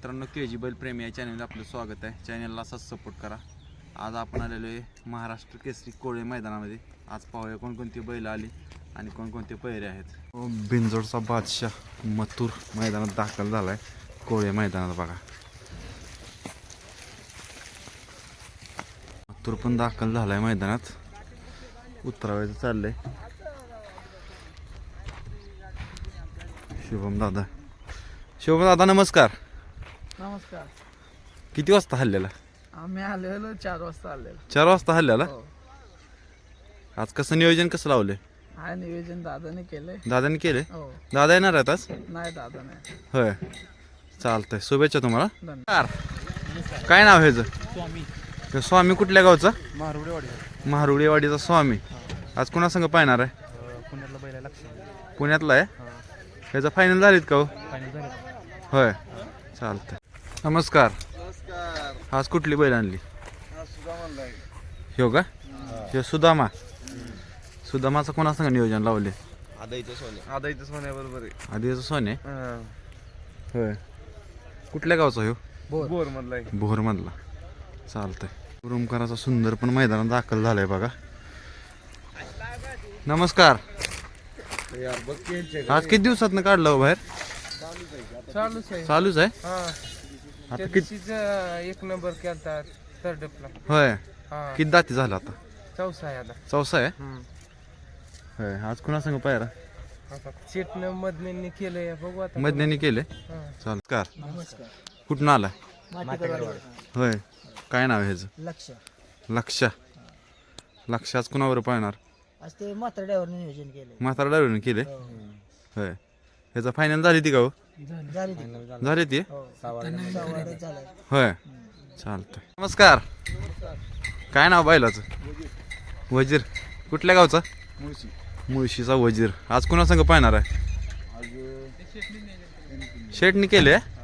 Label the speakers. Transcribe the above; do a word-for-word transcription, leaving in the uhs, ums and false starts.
Speaker 1: मित्रांनो, के जी बैल प्रेमी या चॅनलला आपलं स्वागत आहे. चॅनलला असाच सपोर्ट करा. आज आपण आलेलो आहे महाराष्ट्र केसरी कोळे मैदानामध्ये. आज पाहूया कोणकोणती बैल आली आणि कोणकोणते पहिरे आहेत. बिंजोडचा बादशाह मथुर मैदानात दाखल झाला आहे. कोळे मैदानात बघा, मथुर पण दाखल झाला आहे मैदानात. उतरावायचं चाललंय. शुभम दादा शुभम दादा नमस्कार.
Speaker 2: नमस्कार.
Speaker 1: किती वाजता हल्ल्याला?
Speaker 2: आम्ही आलेलो चार वाजता आलेलो.
Speaker 1: चार वाजता हल्ल्याला.
Speaker 2: हो.
Speaker 1: आज कसं नियोजन कसं लावलंय?
Speaker 2: हा नियोजन दादाने केलंय.
Speaker 1: दादाने केले?
Speaker 2: हो.
Speaker 1: दादा येणार आहेत आज?
Speaker 2: नाही दादा नाही.
Speaker 1: होय, चालतंय. शुभेच्छा तुम्हाला.
Speaker 2: धन्यवाद.
Speaker 1: काय नाव आहे ह्याचं?
Speaker 2: स्वामी
Speaker 1: हे स्वामी कुठल्या गावचा?
Speaker 2: मारुडेवाडी.
Speaker 1: महारुडेवाडीचा स्वामी. आज कुणा संग पाहणार आहे?
Speaker 2: पुण्यातला बैला लक्ष.
Speaker 1: पुण्यातला आहे. ह्याचं फायनल झालीत का हो?
Speaker 2: फायनल झालं.
Speaker 1: होय, चालतंय. नमस्कार. आज कुठली बैल आणली? हो का? हे सुदामा. सुदामाचं कोणा संग नियोजन लावले?
Speaker 3: आदाईचं सोने. आदाईचं सोन्या बरोबर आहे.
Speaker 1: आधीचं सोने. होय, कुठल्या गावचा हो?
Speaker 3: बोर मधला आहे.
Speaker 1: भोर मधला. चालतंय. रुमकराचा सुंदर पण मैदानात दाखल झालाय बघा. नमस्कार. आज किती दिवसात काढलं हो बाहेर?
Speaker 2: चालूच आहे.
Speaker 1: चालूच आहे.
Speaker 2: हा.
Speaker 1: आता किती?
Speaker 2: एक नंबर केलता थर्डपला.
Speaker 1: होय,
Speaker 2: हा.
Speaker 1: किती दाती झाला आता?
Speaker 2: चौसा आहे आता.
Speaker 1: चौसा आहे. होय, आज कुणा संग पायरा?
Speaker 2: आता सीटनं मधने केलंय, बघू आता.
Speaker 1: मधन्यानी केले.
Speaker 2: हा.
Speaker 1: चालकार.
Speaker 2: नमस्कार.
Speaker 1: कुठून आलाय? होय, काय नाव आहे ह्याचं?
Speaker 4: लक्ष
Speaker 1: लक्ष. लक्ष आज कुणावर पाहणार?
Speaker 4: आज ते मात्र ड्रायव्हरने नियोजन केले.
Speaker 1: म्हातारा ड्रायव्हरने केले. होय, ह्याचा फायनल झाली ती का हो?
Speaker 4: झाली ती.
Speaker 1: झाली ती.
Speaker 4: हो. सवारीत झालाय.
Speaker 1: होय, चालतंय. नमस्कार. काय नाव बैलाचं? वजीर. कुठल्या गावचा?
Speaker 3: मुळशी.
Speaker 1: मुळशीचा वजीर. आज कुणा संग पाहणार आहे? शेटनी केले.